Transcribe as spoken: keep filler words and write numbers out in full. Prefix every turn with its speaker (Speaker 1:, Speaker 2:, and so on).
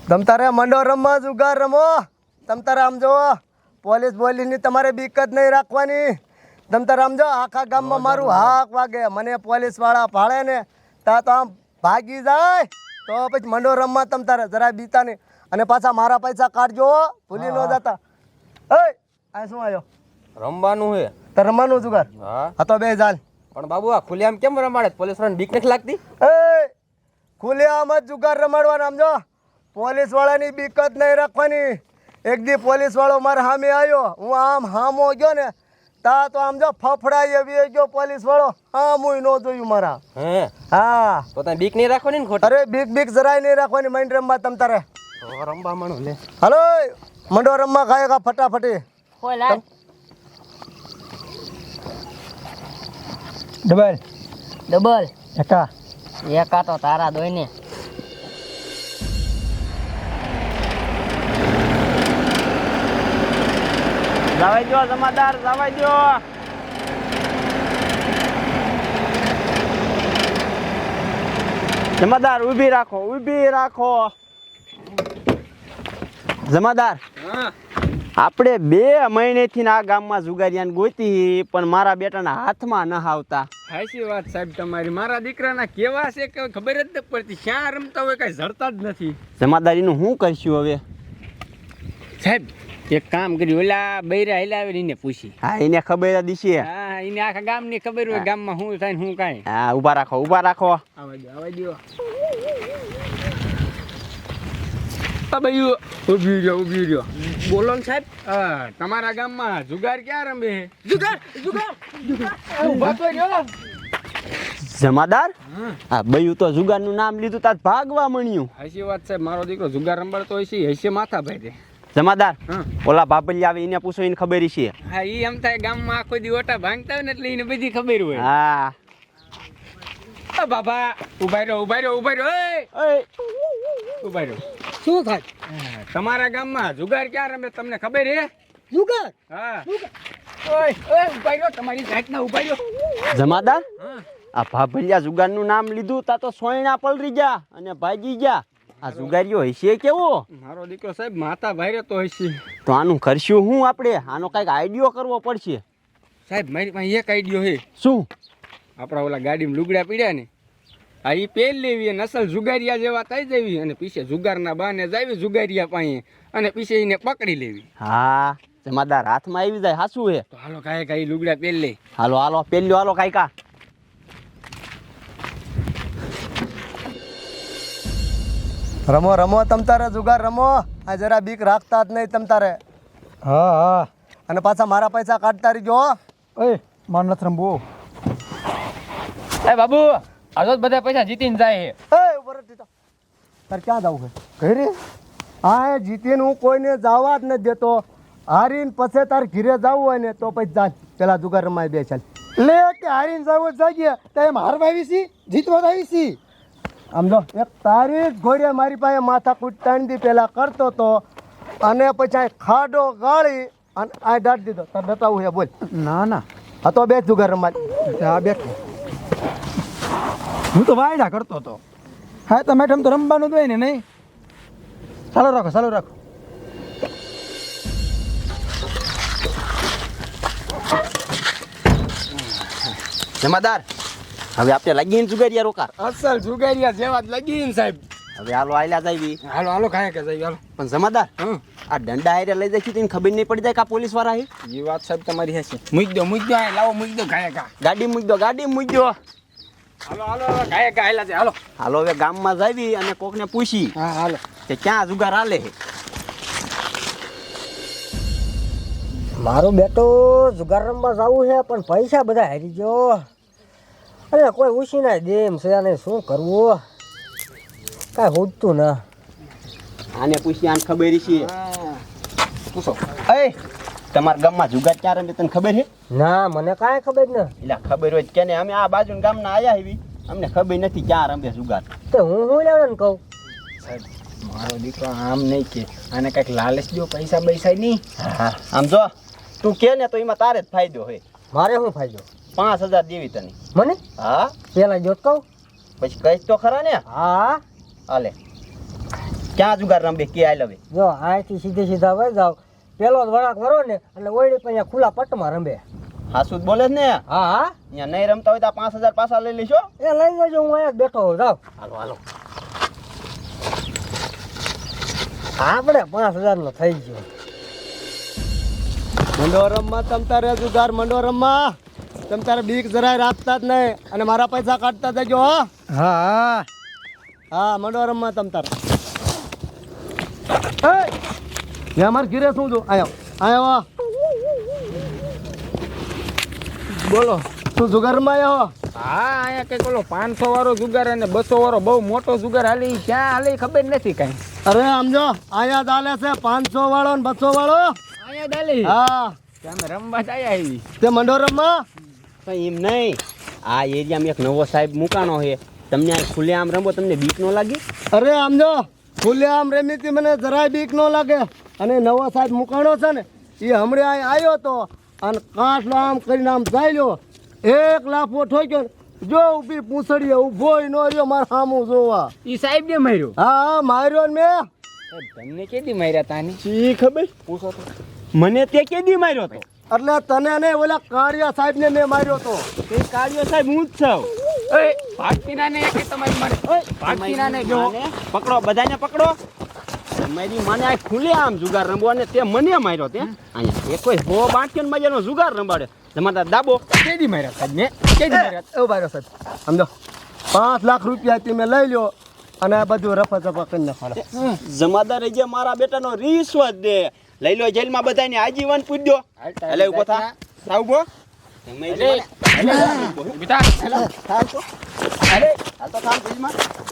Speaker 1: તમ તારે મંડો રમવા જુગાર રમો. તમ તારે આમ જો પોલીસ બોલીની તમારે બીક જ નહીં રાખવાની. તમ તારે આમ જો આખા ગામમાં મારું હાક વાગે, મને પોલીસ વાળા ભાળે ને તા તો આમ ભાગી જાય તો પછી મંડો રમવા તમ તારે જરા બીતા નહીં. અને પાછા મારા પૈસા કાઢજો, ભૂલી ન જતા. એ આ શું આવ્યો?
Speaker 2: રમવાનું હે.
Speaker 1: તો રમવાનું જુગાર?
Speaker 2: હા
Speaker 1: હા તો બે ચાલ.
Speaker 2: પણ બાબુ આ ખુલ્લેઆમ કેમ રમાડે? પોલીસ વાળાને બીક નથી લાગતી?
Speaker 1: એ ખુલ્લેઆમ જ જુગાર રમાડવાના. આમ જો પોલીસ વાળાની બીક જ નહીં રાખવાની. એક દી પોલીસ વાળો મારા સામે આવ્યો, હું આમ હામો ગયો ને તા તો આમ જો ફફડાઈ એવી ગયો પોલીસ વાળો, હામુય ન જોયું મારા.
Speaker 2: હે
Speaker 1: હા
Speaker 2: તો તને બીક નહીં રાખવાની ને ખોટી?
Speaker 1: અરે બીક બીક જરાય નહીં રાખવાની માઇન્ડ રમવા તમ તારે.
Speaker 2: તો રમવા માંડો લે.
Speaker 1: હલો મંડો રમવા ખાય કા ફટાફટી.
Speaker 3: ડબલ
Speaker 4: ડબલ
Speaker 3: એકા
Speaker 4: એકા તો તારા દોય ને.
Speaker 2: જવાઈ દો જમાદાર, જવાઈ દો. જમાદાર ઊભી રાખો, ઊભી રાખો. જમાદાર આપણે બે મહિનેથી આ ગામમાં જુગારિયાને ગોતી પણ મારા બેટાના હાથમાં ન આવતા.
Speaker 5: સાચી વાત સાહેબ તમારી. મારા દીકરાના કેવા છે કે ખબર જ નથી પડતી. ક્યાં રમતા હોય કઈ જડતા જ નથી.
Speaker 2: જમાદારીનું શું કરશું હવે?
Speaker 5: સાહેબ એક કામ કર્યું, ઓલા બૈરા હિલાવે એને પૂછી.
Speaker 2: હા એને ખબર જ છે.
Speaker 5: હા એને આખા ગામની ખબર હોય ગામમાં શું થાય ને શું કાંઈ.
Speaker 2: હા ઊભા રાખો, ઊભા રાખો.
Speaker 5: આવા દો આવા દો. ભાઈ ઉભી રહ્યો ઉભી રહ્યો. બોલો ને સાહેબ. હા તમારા ગામમાં જુગાર ક્યાં રમે? જુગાર જુગાર ઉભા તો રહ્યો.
Speaker 2: જમાદાર હા બયું તો જુગારનું નામ લીધું તાર ભાગવા મળ્યું.
Speaker 5: સાચી વાત સાહેબ. મારો દીકરો જુગાર રંબાડતો હોય છે, હશે માથા ભાઈ.
Speaker 2: જમાદાર
Speaker 5: હા
Speaker 2: ઓલા બાબલી આવે એને પૂછો, એને ખબર છે.
Speaker 5: હા ઈ એમ થાય ગામમાં આખો દી ઓટા ભાંગતા હોય ને એટલે એને બધી ખબર હોય.
Speaker 2: હા
Speaker 5: ઓ બાબા ઉભા રહ્યો ઉભા રહ્યો ઉભા રહ્યો. એ ઉભા રહ્યો.
Speaker 3: શું થાય?
Speaker 5: તમારા ગામમાં જુગાર ક્યાં રમે તમને ખબર હે?
Speaker 3: જુગાર
Speaker 5: હા ઓય ઓય ઉભા રહ્યો. તમારી જાતના ઉભા રહ્યો.
Speaker 2: જમાદાર
Speaker 5: હા
Speaker 2: આ ભાભલિયા જુગારનું નામ લીધું તા તો સોયણા પલરી ગયા અને ભાગી ગયા. આ જુગારીઓ હશે કેવો?
Speaker 5: મારો દીકરો સાહેબ માથા ભારે તો હશે.
Speaker 2: તો આનું કરશું હું આપણે? આનો કઈક આઈડિયો કરવો પડશે.
Speaker 5: સાહેબ મારી પાસે એક આઈડિયો હે.
Speaker 2: શું?
Speaker 5: આપણા ઓલા ગાડીમાં લુગડા પીડ્યા ને આ ઈ પેલ લેવી, નસલ જુગારિયા જેવા થઈ જવી અને પીછે જુગારના બાને જાવી જુગારિયા પાસે અને પીછે એને પકડી લેવી.
Speaker 2: હા જમાદાર હાથમાં આવી જાય. હાસું હે?
Speaker 5: તો હાલો કાંઈ કાંઈ લુગડા પેલ લે.
Speaker 2: હાલો હાલો પેલ્યો હાલો કાયકા.
Speaker 1: રમો રમો તમ તારે જુગાર રમો. આ જરા બીક રાખતા જ નહીં તમ તારે.
Speaker 3: હા હા
Speaker 1: અને પાછા મારા પૈસા કાઢતા રહીજો.
Speaker 3: ઓય માર નથી રમવું.
Speaker 5: એ બાબુ આજો બધા પૈસા જીતીને જાય હે.
Speaker 1: એ ઉપર ટીટા તારે ક્યાં જવું છે? ઘરે. હા એ જીતીને હું કોઈને જવા જ નથી દેતો. હારીને પછી તારે ઘીરે જવું હોય ને તો પછી ચાલ પેલા જુગાર રમાય બે ચાલ.
Speaker 3: લે કે હારીને જાવ જાગ્યા તો એમ હારવા આવી છી, જીતવા આવી છી.
Speaker 1: આમ જો એક તારી જ ઘોડીએ મારી પાસે માથા કૂટતાણી દી પેલા કરતો તો અને પછી આ ખાડો ગાળી અને આ દાટ દીધો. તાર બતાવું છે બોલ.
Speaker 3: ના ના
Speaker 1: હા તો બે જુગાર રમાય.
Speaker 3: આ બેઠો હું તો વાયડા કરતો હતો. હા તો મેડમ તો રમવાનું જ હોય ને નહીં. ચાલો રાખો ચાલો રાખો.
Speaker 2: જમાદાર હવે આપણે લાગીને જુગારિયા રોકાર.
Speaker 5: અસલ જુગારિયા જેવા જ લાગીને સાહેબ.
Speaker 2: હવે હાલો આયલા જાવી.
Speaker 5: હાલો હાલો કાંઈ કે જાય હાલો.
Speaker 2: પણ જમાદાર
Speaker 5: હમ
Speaker 2: આ દંડા હારે લઈ જાય તેને ખબર નહીં પડી જાય કે આ પોલીસ વાળા હે.
Speaker 5: એ વાત સાહેબ તમારી હશે. મૂકી દો મૂકી દો આ લાવો મૂકી દો કાંઈ કા.
Speaker 2: ગાડી મૂકી દો, ગાડી મૂકી દો.
Speaker 5: હાલો હાલો કાંઈ કા હાલા છે હાલો.
Speaker 2: હાલો હવે ગામમાં જાવી અને કોકને પૂછી
Speaker 5: હા હાલો.
Speaker 2: કે ક્યાં જુગાર હાલે છે.
Speaker 4: મારું બેટો જુગાર રમવા જવું છે પણ પૈસા બધા હારી ગયો. અરે કોઈ ઉછી ના દે એમ છે ને શું કરવું કાંઈ હોતું ના.
Speaker 2: આને પૂછી આને ખબર છે.
Speaker 5: પૂછો.
Speaker 2: એ તમારા ગામમાં જુગાર ક્યાં રમે તને ખબર છે?
Speaker 4: ના મને કાંઈ ખબર ને.
Speaker 2: એટલે ખબર હોય કે ને અમે આ બાજુ ગામના આયા એવી અમને ખબર નથી ક્યાં રમે જુગાર.
Speaker 4: તો હું હું લેવાનું કહું.
Speaker 5: સાહેબ મારો દીકરો આમ નહીં કે આને કંઈક લાલચ દો પૈસા પૈસા નહીં.
Speaker 2: હા આમ જો તું કે ને તો એમાં તારે જ ફાયદો હોય.
Speaker 4: મારે શું ફાયદો?
Speaker 2: પાંચ હજાર દેવી તને.
Speaker 4: મને
Speaker 2: હા
Speaker 4: પેલા જોત કહું.
Speaker 2: પછી કહીશ તો ખરા ને.
Speaker 4: હા
Speaker 2: હાલે ક્યાં જુગાર રંબે કે આઈ લવે
Speaker 4: જો અહીંથી સીધે સીધા વહી જાવ પેલો જ વળાંક વરો ને એટલે ઓયડી પછી ખુલ્લા પટમાં રમે.
Speaker 2: હાસુદ બોલે છે ને
Speaker 4: હા હા
Speaker 2: અહીંયા નહીં રમતા હોય તો પાંચ હજાર પાછા લઈ લેશો.
Speaker 4: એ લઈ જજો, હું અહીંયા જ બેઠો હોઉં. જાવ
Speaker 2: હાલો હાલો.
Speaker 4: આપણે પાંચ હજાર નો થઈ ગયો.
Speaker 1: મંડો રમવા તમ તારે જુગાર મંડો રમવા તમ તારે બીક જરાય રાખતા જ નહીં અને મારા પૈસા કાઢતા જજો હો.
Speaker 3: હા
Speaker 1: હા મંડો રમવા તમ તારે. એ અમારે ઘીરે શું જો આયો આયો
Speaker 5: બોલો.
Speaker 1: તું જુગાર રમવા આવ્યો?
Speaker 5: હા અહીંયા કઈક ઓલો પાંચસો વાળો જુગાર અને બસો વાળો બહુ મોટો જુગાર હાલી ક્યાં હાલી ખબર નથી કઈ.
Speaker 1: અરે સમજો અહીંયા ચાલે છે પાંચસો વાળો ને બસો વાળો.
Speaker 5: અહીંયા દાલી
Speaker 1: હા
Speaker 5: તમે રમવા જ આયા આવી.
Speaker 1: તે મંડો રમવા.
Speaker 2: તો એમ નહીં, આ એરિયામાં એક નવો સાહેબ મુકાનો છે, તમને આ ખુલ્લે આમ રમો તમને બીક ન લાગી?
Speaker 1: અરે સમજો ખુલ્લે આમ રમીથી મને જરાય બીક ન લાગે. અને નવો સાહેબ મુકાણો છે ને એ હમણાં અહીં આવ્યો તો અને કાંઠલો આમ કરીને આમ ચાલ્યો એક લાફો ઠોક્યો ને જો ઊભી પૂંછડીએ ઊભો ન રહ્યો મારે સામું જોવા.
Speaker 5: ઈ સાહેબ ને માર્યો.
Speaker 1: હા હા માર્યો ને મેં.
Speaker 5: તમને કેદી માર્યા તાની?
Speaker 2: શી ખબર, પૂછો તો. મને તે કેદી માર્યો તો?
Speaker 1: એટલે તને નહીં ઓલા કાળિયા સાહેબ ને મેં માર્યો તો.
Speaker 2: તે કાળિયો સાહેબ હું જ છું.
Speaker 5: ઓય ભાગતીના ને કે તમારી મારે ઓય ભાગતીના ને જો
Speaker 2: માને પકડો, બધાને પકડો. મારી માને આ ખુલ્લે આમ જુગાર રમવો ને તે મને માર્યો તે. અહીંયા એ કોઈ હો બાંટ્યો ને મજાનો જુગાર રમાડે. તમારા દાબો
Speaker 5: કેદી માર્યા સાહેબ ને કેદી માર્યા?
Speaker 1: એવું માર્યો સાહેબ સમજો પાંચ લાખ રૂપિયા મેં લઈ લ્યો અને આ બધું રફા ચફા કરી નાખવાનો.
Speaker 2: જમાદાર જે મારા બેટાનો રિશ્વત દે લઈ લો જેલમાં બધાને આજીવન પૂછ્યો. એટલે ઉભો થા, થા ઉભો.
Speaker 5: બેટા
Speaker 2: અરે આ તો કામ જેલમાં